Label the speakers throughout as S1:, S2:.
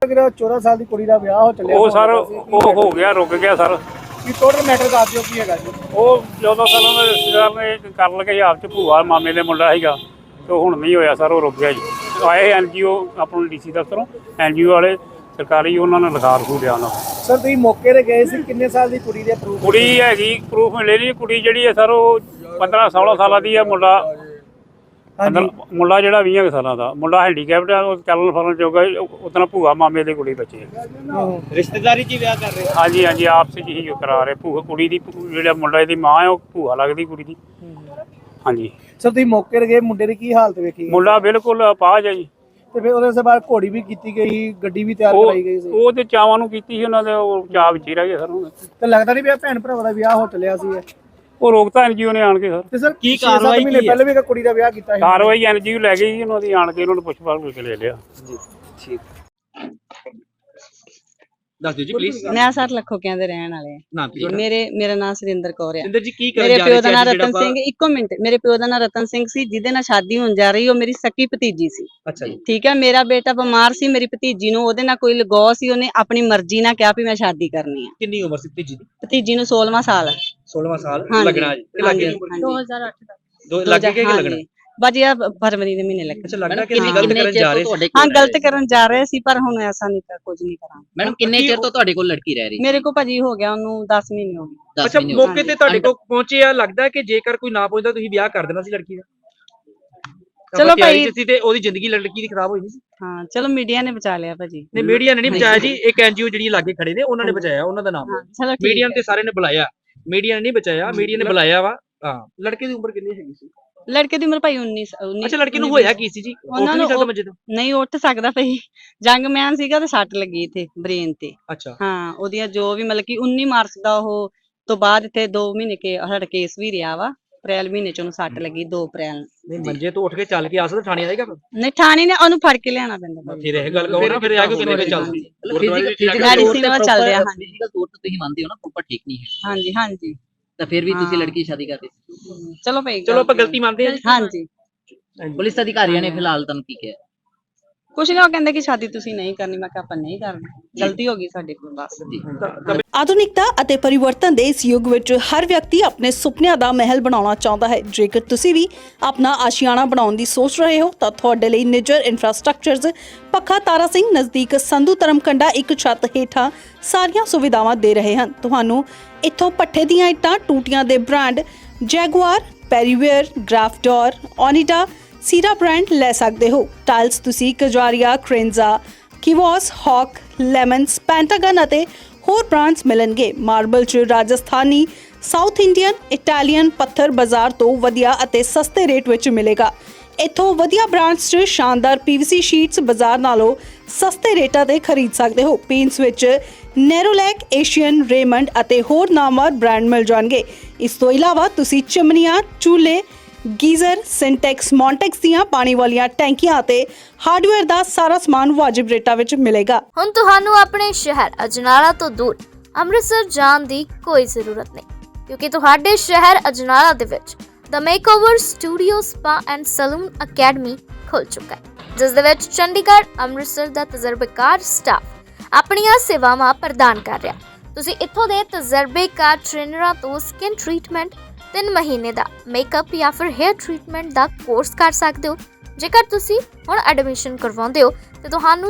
S1: ਜਿਹੜਾ 14 ਸਾਲ ਦੀ ਕੁੜੀ ਦਾ ਵਿਆਹ ਹੋ ਚੱਲਿਆ
S2: ਉਹ ਸਰ ਉਹ ਹੋ ਗਿਆ, ਰੁਕ ਗਿਆ ਸਰ।
S1: ਕੀ ਟੋਟਲ ਮੈਟਰ ਦੱਸ ਦਿਓ ਕੀ ਹੈਗਾ ਜੀ।
S2: ਉਹ 14 ਸਾਲਾਂ ਦਾ ਰਿਸ਼ਤੇਦਾਰ ਨੇ ਕਰਨ ਲੱਗੇ ਆਪ ਚ ਭੂਆ ਮਾਮੇ ਦੇ ਮੁੰਡਾ ਸੀਗਾ, ਤੇ ਹੁਣ ਨਹੀਂ ਹੋਇਆ ਸਰ, ਉਹ ਰੁਕ ਗਿਆ ਜੀ। ਆਏ NGO ਆਪਣਾ DC ਦਫ਼ਤਰੋਂ NGO ਵਾਲੇ ਸਰਕਾਰੀ, ਉਹਨਾਂ ਨੇ ਲਿਖਾ ਰਖੂ ਲਿਆ ਉਹਨਾਂ
S1: ਸਰ ਤੁਸੀਂ ਮੌਕੇ ਤੇ ਗਏ ਸੀ, ਕਿੰਨੇ ਸਾਲ ਦੀ ਕੁੜੀ ਦੇ ਪ੍ਰੂਫ?
S2: ਕੁੜੀ ਹੈਗੀ ਪ੍ਰੂਫ ਮਿਲੇ ਨਹੀਂ। ਕੁੜੀ ਜਿਹੜੀ ਹੈ ਸਰ ਉਹ 15-16 ਸਾਲਾਂ ਦੀ ਹੈ। ਮੁੰਡਾ ਜਿਹੜਾ 20 ਸਾਲਾਂ ਦਾ ਮੁੰਡਾ ਹੈਂਡੀਕੈਪਟ ਆ, ਉਹ ਚੱਲਣ ਫਿਰਨ ਜੋਗਾ। ਉਤਨਾ ਭੂਆ ਮਾਮੇ ਦੀ ਕੁੜੀ ਬੱਚੇ
S1: ਰਿਸ਼ਤੇਦਾਰੀ 'ਚ ਹੀ ਵਿਆਹ ਕਰ ਰਹੇ?
S2: ਹਾਂਜੀ ਹਾਂਜੀ, ਆਪਸ 'ਚ ਹੀ ਕਰਾ ਰਹੇ। ਭੂਆ ਕੁੜੀ ਦੀ ਜਿਹੜਾ ਮੁੰਡਾ ਦੀ ਮਾਂ ਹੈ ਉਹ ਭੂਆ ਲੱਗਦੀ ਕੁੜੀ ਦੀ। ਹਾਂਜੀ
S1: ਸਰ ਤੁਸੀਂ ਮੌਕੇ ਤੇ ਗਏ, ਮੁੰਡੇ ਦੀ ਕੀ ਹਾਲਤ ਵੇਖੀ?
S2: ਮੁੰਡਾ ਬਿਲਕੁਲ ਅਪਾਹਜ ਹੈ ਜੀ।
S1: ਤੇ ਫਿਰ ਉਹਦੇ ਬਾਅਦ ਘੋੜੀ ਵੀ ਕੀਤੀ ਗਈ, ਗੱਡੀ ਵੀ ਤਿਆਰ ਕਰਾਈ ਗਈ ਸੀ?
S2: ਉਹ ਤੇ ਚਾਵਾਂ ਨੂੰ ਕੀਤੀ ਸੀ ਉਹਨਾਂ ਦੇ, ਉਹ ਚਾਅ ਵਿੱਚ ਹੀ ਰਹਿ ਗਏ ਸਰ। ਹੁਣ
S1: ਤੇ ਲੱਗਦਾ ਨਹੀਂ ਪਿਆ ਭੈਣ ਭਰਾਵਾਂ ਦਾ ਵਿਆਹ ਹੋ ਚੱਲਿਆ ਸੀ?
S2: ਉਹ ਰੋਕਤਾ NGO ਨੇ ਆਣ ਕੇ ਸਰ।
S1: ਤੇ ਸਰ ਕੀ ਕਾਰਵਾਈ ਮਹੀਨੇ ਪਹਿਲੇ ਵੀ ਕੁੜੀ ਦਾ ਵਿਆਹ ਕੀਤਾ ਸੀ?
S2: ਕਾਰਵਾਈ NGO ਲੈ ਗਈ ਉਹਨਾਂ ਦੀ, ਆਣ ਕੇ ਉਹਨਾਂ ਨੂੰ ਪੁੱਛ-ਪਾਛ ਕਰਕੇ ਲੈ ਲਿਆ ਜੀ।
S3: ਠੀਕ ਦੱਸ ਦਿਓ ਜੀ ਪਲੀਜ਼।
S4: ਮੈਂ ਸਰ ਲੱਖੋਕਿਆਂ ਦੇ ਰਹਿਣ ਵਾਲੇ
S3: ਨਾਮ ਕੀ ਤੁਹਾਡਾ?
S4: ਮੇਰਾ ਨਾਮ ਸੁਰਿੰਦਰ ਕੌਰ ਆ।
S3: ਸਿੰਦਰ ਜੀ ਕੀ ਕਰਨ
S4: ਮੇਰੇ
S3: ਜਾ
S4: ਪਿਓ
S3: ਰਹੇ
S4: ਦਾ
S3: ਸੀ
S4: ਨਾਮ
S3: ਅੱਜ
S4: ਰਤਨ ਸਿੰਘ, ਇੱਕੋ ਮਿੰਟ, ਮੇਰੇ ਪਿਓ ਦਾ ਨਾਮ ਰਤਨ ਸਿੰਘ ਸੀ, ਜਿਹਦੇ ਨਾਲ ਸ਼ਾਦੀ ਹੋਣ ਜਾ ਰਹੀ। ਉਹ ਮੇਰੀ ਸਕੀ ਭਤੀਜੀ ਸੀ।
S3: ਅੱਛਾ ਜੀ।
S4: ਠੀਕ ਹੈ, ਮੇਰਾ ਬੇਟਾ ਬਿਮਾਰ ਸੀ, ਮੇਰੀ ਭਤੀਜੀ ਨੂੰ ਉਹਦੇ ਨਾਲ ਕੋਈ ਲਗਾਅ ਸੀ, ਉਹਨੇ ਆਪਣੀ ਮਰਜ਼ੀ ਨਾਲ ਕਿਹਾ ਵੀ ਮੈਂ ਸ਼ਾਦੀ ਕਰਨੀ ਆ।
S3: ਕਿੰਨੀ ਉਮਰ ਸੀ ਭਤੀਜੀ ਦੀ?
S4: ਭਤੀਜੀ ਨੂੰ 16ਵਾਂ ਸਾਲ ਹੈ।
S3: 16ਵਾਂ ਸਾਲ
S4: ਹਾਂਜੀ,
S3: ਲੱਗਣਾ ਜੀ। ਤੇ ਲੱਗੇ
S4: 2008 ਦਾ
S3: ਲੱਗੇ ਕਿ ਲੱਗਣਾ?
S4: ਬਾਜੀ ਆ ਫਰਵਰੀ ਦੇ ਮਹੀਨੇ ਲੱਗੇ।
S3: ਅੱਛਾ, ਲੱਗਦਾ ਕਿ ਗਲਤ ਕਰਨ ਜਾ ਰਹੇ ਸੀ।
S4: ਹਾਂ, ਗਲਤ ਕਰਨ ਜਾ ਰਹੇ ਸੀ, ਪਰ ਹੁਣ ਐਸਾ ਨਹੀਂ ਕਰ, ਕੁਝ ਨਹੀਂ ਕਰਾਂਗੇ।
S5: ਮੈਡਮ ਕਿੰਨੇ ਚਿਰ ਤੋਂ ਤੁਹਾਡੇ ਕੋਲ ਲੜਕੀ ਰਹਿ ਰਹੀ?
S4: ਮੇਰੇ ਕੋ ਭਾਜੀ ਹੋ ਗਿਆ ਉਹਨੂੰ 10 ਮਹੀਨੇ ਹੋ ਗਏ।
S3: ਅੱਛਾ, ਮੌਕੇ ਤੇ ਤੁਹਾਡੇ ਕੋਲ ਪਹੁੰਚੇ ਆ, ਲੱਗਦਾ ਕਿ ਜੇਕਰ ਕੋਈ ਨਾ ਪਹੁੰਚਦਾ ਤੁਸੀਂ ਵਿਆਹ ਕਰ ਦੇਣਾ ਸੀ ਲੜਕੀ ਦਾ?
S4: ਚਲੋ ਭਾਈ,
S3: ਤੇ ਉਹਦੀ ਜ਼ਿੰਦਗੀ ਲੜਕੀ ਦੀ ਖਰਾਬ ਹੋਈ ਨਹੀਂ ਸੀ?
S4: ਹਾਂ ਚਲੋ, ਮੀਡੀਆ ਨੇ ਬਚਾ ਲਿਆ ਭਾਜੀ।
S3: ਨਹੀਂ, ਮੀਡੀਆ ਨੇ ਨਹੀਂ ਬਚਾਇਆ ਜੀ। ਇੱਕ NGO ਜਿਹੜੀ ਲਾਗੇ ਖੜੇ ਨੇ ਉਹਨਾਂ ਨੇ ਬਚਾਇਆ, ਉਹਨਾਂ ਦਾ ਨਾਮ। ਮੀਡੀਆ ਨੇ ਤੇ ਸਾਰੇ ਨੇ ਬੁਲਾਇਆ, ਮੀਡੀਆ ਨੇ ਨਹੀਂ ਬਚਾਇਆ, ਮੀਡੀਆ ਨੇ ਬੁਲਾਇਆ ਵਾ। ਹਾਂ, ਲੜਕੇ ਦੀ ਉਮਰ ਕਿੰਨੀ ਹੈਗੀ ਸੀ?
S4: ਲੜਕੇ ਦੀ ਉਮਰ ਭਾਈ 19।
S3: ਅੱਛਾ, ਲੜਕੇ ਨੂੰ ਹੋਇਆ ਕੀ ਸੀ ਜੀ?
S4: ਉਹਨਾਂ ਨੂੰ ਨਹੀਂ ਉੱਠ ਸਕਦਾ ਭਾਈ, ਜੰਗਮੈਨ ਸੀਗਾ ਤੇ ਸੱਟ ਲੱਗੀ ਇੱਥੇ ਬ੍ਰੇਨ ਤੇ।
S3: ਅੱਛਾ
S4: ਹਾਂ, ਉਹਦੀਆਂ ਜੋ ਵੀ ਮਤਲਬ ਕਿ 19 ਮਾਰਚ ਦਾ ਉਹ ਤੋਂ ਬਾਅਦ ਇੱਥੇ 2 ਮਹੀਨੇ ਕੇ ਸਾਡਾ ਕੇਸ ਵੀ ਰਿਹਾ ਵਾ। ਅਪ੍ਰੈਲ ਮਹੀਨੇ ਚ ਉਹਨੂੰ ਸੱਟ ਲੱਗੀ, 2 ਅਪ੍ਰੈਲ ਨੂੰ।
S3: ਨਹੀਂ, ਮੰਜੇ ਤੋਂ ਉੱਠ ਕੇ ਚੱਲ ਕੇ ਆ ਸਕਦਾ, ਥਾਣੇ ਆਏਗਾ?
S4: ਨਹੀਂ, ਥਾਣੇ ਨੇ ਉਹਨੂੰ ਫੜ ਕੇ ਲਿਆਣਾ ਪੈਂਦਾ।
S3: ਫਿਰ ਇਹ ਗੱਲ ਕਹੋ ਨਾ, ਫਿਰ ਆ ਕੇ ਕਿੰਨੇ ਤੇ ਚੱਲਦੀ?
S4: ਮੈਡੀਸਿਨ ਵਾ ਚੱਲ ਰਿਹਾ। ਹਾਂਜੀ,
S5: ਫਿਜ਼ੀਕਲ ਤੌਰ ਤੇ ਤੁਸੀਂ ਮੰਨਦੇ ਹੋ ਨਾ ਪ੍ਰੋਪਰ ਠੀਕ ਨਹੀਂ ਹੈ?
S4: ਹਾਂਜੀ ਹਾਂਜੀ।
S5: ਤਾਂ ਫਿਰ ਵੀ ਤੁਸੀਂ ਲੜਕੀ ਦੀ ਸ਼ਾਦੀ ਕਰ ਰਹੇ ਸੀ?
S4: ਚਲੋ ਭਾਈ,
S3: ਚਲੋ ਆਪਾਂ ਗਲਤੀ ਮੰਨਦੇ ਹਾਂ।
S4: ਹਾਂਜੀ।
S5: ਪੁਲਿਸ ਅਧਿਕਾਰੀਆਂ ਨੇ ਫਿਲਹਾਲ ਤੁਹਾਨੂੰ ਕੀ ਕਿਹਾ?
S4: ਕੁਛ ਨਹੀਂ, ਉਹ ਕਹਿੰਦੇ ਕਿ ਸ਼ਾਦੀ ਤੁਸੀਂ ਨਹੀਂ ਕਰਨੀ। ਮੈਂ ਕਿਹਾ ਆਪਾਂ ਨਹੀਂ ਕਰਨੀ, ਗਲਤੀ ਹੋ ਗਈ ਸਾਡੇ ਕੋਲ ਬਸ।
S6: ਆਧੁਨਿਕਤਾ ਅਤੇ ਪਰਿਵਰਤਨ ਦੇ ਇਸ ਯੁੱਗ ਵਿੱਚ ਹਰ ਵਿਅਕਤੀ ਆਪਣੇ ਸੁਪਨਿਆਂ ਦਾ ਮਹਿਲ ਬਣਾਉਣਾ ਚਾਹੁੰਦਾ ਹੈ। ਜੇਕਰ ਤੁਸੀਂ ਵੀ ਆਪਣਾ ਆਸ਼ੀਆਨਾ ਬਣਾਉਣ ਦੀ ਸੋਚ ਰਹੇ ਹੋ ਤਾਂ ਤੁਹਾਡੇ ਲਈ ਨਿੱਜਰ ਇਨਫਰਾਸਟ੍ਰਕਚਰਜ਼ ਪੱਖਾ ਤਾਰਾ ਸਿੰਘ ਨਜ਼ਦੀਕ ਸੰਧੂ ਧਰਮਕੰਡਾ ਇੱਕ ਛੱਤ ਹੇਠਾਂ ਸਾਰੀਆਂ ਸੁਵਿਧਾਵਾਂ ਦੇ ਰਹੇ ਹਨ। ਤੁਹਾਨੂੰ ਇੱਥੋਂ ਪੱਠੇ ਦੀਆਂ ਇੱਟਾਂ, ਟੂਟੀਆਂ ਦੇ ਬ੍ਰਾਂਡ ਜੈਗੁਆਰ, ਪੈਰੀਵੇਅਰ, ਗ੍ਰਾਫਡੋਰ, ਓਨੀਡਾ, ਸੀਰਾ ਬ੍ਰਾਂਡ ਲੈ ਸਕਦੇ ਹੋ। ਟਾਈਲਸ ਤੁਸੀਂ ਕਜਾਰੀਆ, ਕ੍ਰੇਨਜ਼ਾ, ਕਿਵੋਸ, ਹੌਕ, ਲੈਮਨਸ, ਪੈਂਟਾਗਨ ਅਤੇ ਹੋਰ ਬ੍ਰਾਂਡਸ ਮਿਲਣਗੇ। ਮਾਰਬਲ 'ਚ ਰਾਜਸਥਾਨੀ, ਸਾਊਥ ਇੰਡੀਅਨ, ਇਟਾਲੀਅਨ ਪੱਥਰ ਬਾਜ਼ਾਰ ਤੋਂ ਵਧੀਆ ਅਤੇ ਸਸਤੇ ਰੇਟ ਵਿੱਚ ਮਿਲੇਗਾ। ਇੱਥੋਂ ਵਧੀਆ ਬ੍ਰਾਂਡਸ 'ਚ ਸ਼ਾਨਦਾਰ PVC ਸ਼ੀਟਸ ਬਾਜ਼ਾਰ ਨਾਲੋਂ ਸਸਤੇ ਰੇਟਾਂ ਤੇ ਖਰੀਦ ਸਕਦੇ ਹੋ। ਪੇਂਟਸ ਵਿੱਚ ਨੈਰੋਲੈਕ, ਏਸ਼ੀਅਨ, ਰੇਮੰਡ ਅਤੇ ਹੋਰ ਨਾਮਵਰ ਬ੍ਰਾਂਡ ਮਿਲ ਜਾਣਗੇ। ਇਸ ਤੋਂ ਇਲਾਵਾ ਤੁਸੀਂ ਚਿਮਨੀਆਂ, ਚੂਲੇ, ਗੀਜ਼ਰ, ਸਿੰਟੈਕਸ, ਮੌਂਟੈਕਸ ਦੀਆਂ ਪਾਣੀ ਵਾਲੀਆਂ ਟੈਂਕੀਆਂ ਅਤੇ ਹਾਰਡਵੇਅਰ ਦਾ ਸਾਰਾ ਸਮਾਨ ਵਾਜਿਬ ਰੇਟਾਂ ਵਿੱਚ ਮਿਲੇਗਾ।
S7: ਹੁਣ ਤੁਹਾਨੂੰ ਆਪਣੇ ਸ਼ਹਿਰ ਅਜਨਾਲਾ ਤੋਂ ਦੂਰ ਅੰਮ੍ਰਿਤਸਰ ਜਾਣ ਦੀ ਕੋਈ ਜ਼ਰੂਰਤ ਨਹੀਂ, ਕਿਉਂਕਿ ਤੁਹਾਡੇ ਸ਼ਹਿਰ ਅਜਨਾਲਾ ਦੇ ਵਿੱਚ the makeover studio spa and salon academy ਖੁੱਲ ਚੁੱਕਾ ਹੈ, ਜਿਸ ਦੇ ਵਿੱਚ ਚੰਡੀਗੜ੍ਹ, ਅੰਮ੍ਰਿਤਸਰ ਦਾ ਤਜਰਬੇਕਾਰ ਸਟਾਫ ਆਪਣੀਆਂ ਸੇਵਾਵਾਂ ਪ੍ਰਦਾਨ ਕਰ ਰਿਹਾ। ਤੁਸੀਂ ਇੱਥੋਂ ਦੇ ਤਜਰਬੇਕਾਰ ਟ੍ਰੇਨਰਾਂ ਤੋਂ ਸਕਿਨ ਟ੍ਰੀਟਮੈਂਟ, 3 ਮਹੀਨੇ ਦਾ ਮੇਕਅਪ ਜਾਂ ਫਿਰ ਹੇਅਰ ਟ੍ਰੀਟਮੈਂਟ ਦਾ ਕੋਰਸ ਕਰ ਸਕਦੇ ਹੋ। ਜੇਕਰ ਤੁਸੀਂ ਹੁਣ ਐਡਮਿਸ਼ਨ ਕਰਵਾਉਂਦੇ ਹੋ ਤੇ ਤੁਹਾਨੂੰ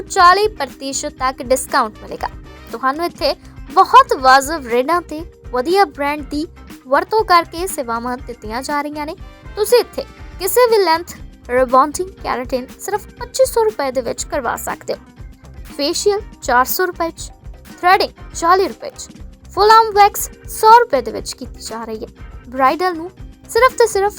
S7: 40% ਤੱਕ ਡਿਸਕਾਊਂਟ ਮਿਲੇਗਾ। ਤੁਹਾਨੂੰ ਇੱਥੇ ਬਹੁਤ ਵਾਜਬ ਰੇਟਾਂ ਤੇ ਵਧੀਆ ਬ੍ਰਾਂਡ ਦੀ ਵਰਤੋਂ ਕਰਕੇ ਸੇਵਾਵਾਂ ਦਿੱਤੀਆਂ ਜਾ ਰਹੀਆਂ ਨੇ। ਤੁਸੀਂ ਇੱਥੇ ਕਿਸੇ ਵੀ ਲੈਂਥ, ਰਿਬੌਂਡਿੰਗ, ਕੈਰਾਟਿਨ ਸਿਰਫ 2500 ਰੁਪਏ ਦੇ ਵਿੱਚ ਕਰਵਾ ਸਕਦੇ ਹੋ। ਫੇਸ਼ੀਅਲ 400 ਰੁਪਏ 'ਚ, ਥ੍ਰੈਡਿੰਗ 40 ਰੁਪਏ 'ਚ, ਫੁੱਲ ਆਰਮ ਵੈਕਸ 100 ਰੁਪਏ ਦੇ ਵਿੱਚ ਕੀਤੀ ਜਾ ਰਹੀ ਹੈ। ਬ੍ਰਾਈਡਲ ਨੂੰ ਸਿਰਫ ਤੇ ਸਿਰਫ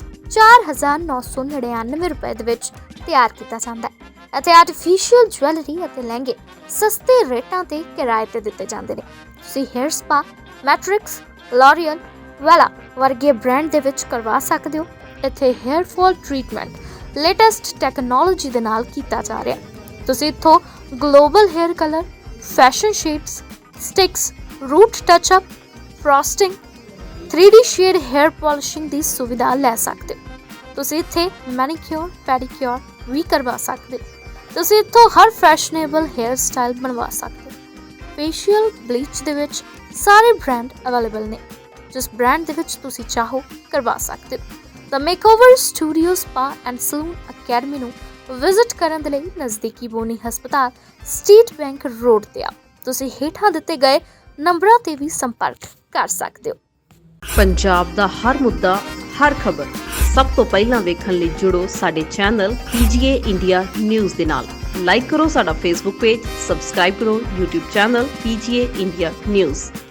S7: 4999 ਰੁਪਏ ਦੇ ਵਿੱਚ ਤਿਆਰ ਕੀਤਾ ਜਾਂਦਾ ਹੈ। ਅਤੇ ਆਰਟੀਫੀਸ਼ੀਅਲ ਜੁਐਲਰੀ ਅਤੇ ਲਹਿੰਗੇ ਸਸਤੇ ਰੇਟਾਂ ਤੇ ਕਿਰਾਏ ਤੇ ਦਿੱਤੇ ਜਾਂਦੇ ਨੇ। ਤੁਸੀਂ hair spa, Matrix, L'Oreal, Wella ਵਰਗੇ ਬ੍ਰਾਂਡ ਦੇ ਵਿੱਚ ਕਰਵਾ ਸਕਦੇ ਹੋ। ਇੱਥੇ hair fall treatment latest technology ਦੇ ਨਾਲ ਕੀਤਾ ਜਾ ਰਿਹਾ। ਤੁਸੀਂ ਇੱਥੋਂ global hair colour, fashion shades, streaks, root touch up, frosting, 3D shade hair polishing ਦੀ ਸੁਵਿਧਾ ਲੈ ਸਕਦੇ ਹੋ। ਤੁਸੀਂ ਇੱਥੇ ਮੈਨੀਕਿਉਰ, ਪੈਡੀਕਿਉਰ ਵੀ ਕਰਵਾ ਸਕਦੇ ਹੋ। ਤੁਸੀਂ ਇੱਥੋਂ ਹਰ ਫੈਸ਼ਨੇਬਲ ਹੇਅਰ ਸਟਾਈਲ ਬਣਵਾ ਸਕਦੇ ਹੋ। ਫੇਸ਼ੀਅਲ ਬਲੀਚ ਦੇ ਵਿੱਚ ਸਾਰੇ ਬ੍ਰਾਂਡ ਅਵੇਲੇਬਲ ਨੇ, ਜਿਸ ਬ੍ਰਾਂਡ ਦੇ ਵਿੱਚ ਤੁਸੀਂ ਚਾਹੋ ਕਰਵਾ ਸਕਦੇ ਹੋ। The makeover studio spa and salon academy ਨੂੰ ਵਿਜ਼ਿਟ ਕਰਨ ਦੇ ਲਈ ਨਜ਼ਦੀਕੀ ਬੋਨੀ ਹਸਪਤਾਲ ਸਟੇਟ ਬੈਂਕ ਰੋਡ ਤੇ ਆਓ। ਤੁਸੀਂ ਹੇਠਾਂ ਦਿੱਤੇ ਗਏ ਨੰਬਰਾਂ ਤੇ ਵੀ ਸੰਪਰਕ ਕਰ ਸਕਦੇ ਹੋ।
S8: ਪੰਜਾਬ ਦਾ ਹਰ ਮੁੱਦਾ, ਹਰ ਖਬਰ ਸਭ ਤੋਂ ਪਹਿਲਾਂ ਵੇਖਣ ਲਈ ਜੁੜੋ ਸਾਡੇ ਚੈਨਲ PGA ਇੰਡੀਆ ਨਿਊਜ਼ ਦੇ ਨਾਲ। ਲਾਈਕ ਕਰੋ ਸਾਡਾ ਫੇਸਬੁੱਕ ਪੇਜ, ਸਬਸਕ੍ਰਾਈਬ ਕਰੋ YouTube channel PGA India news.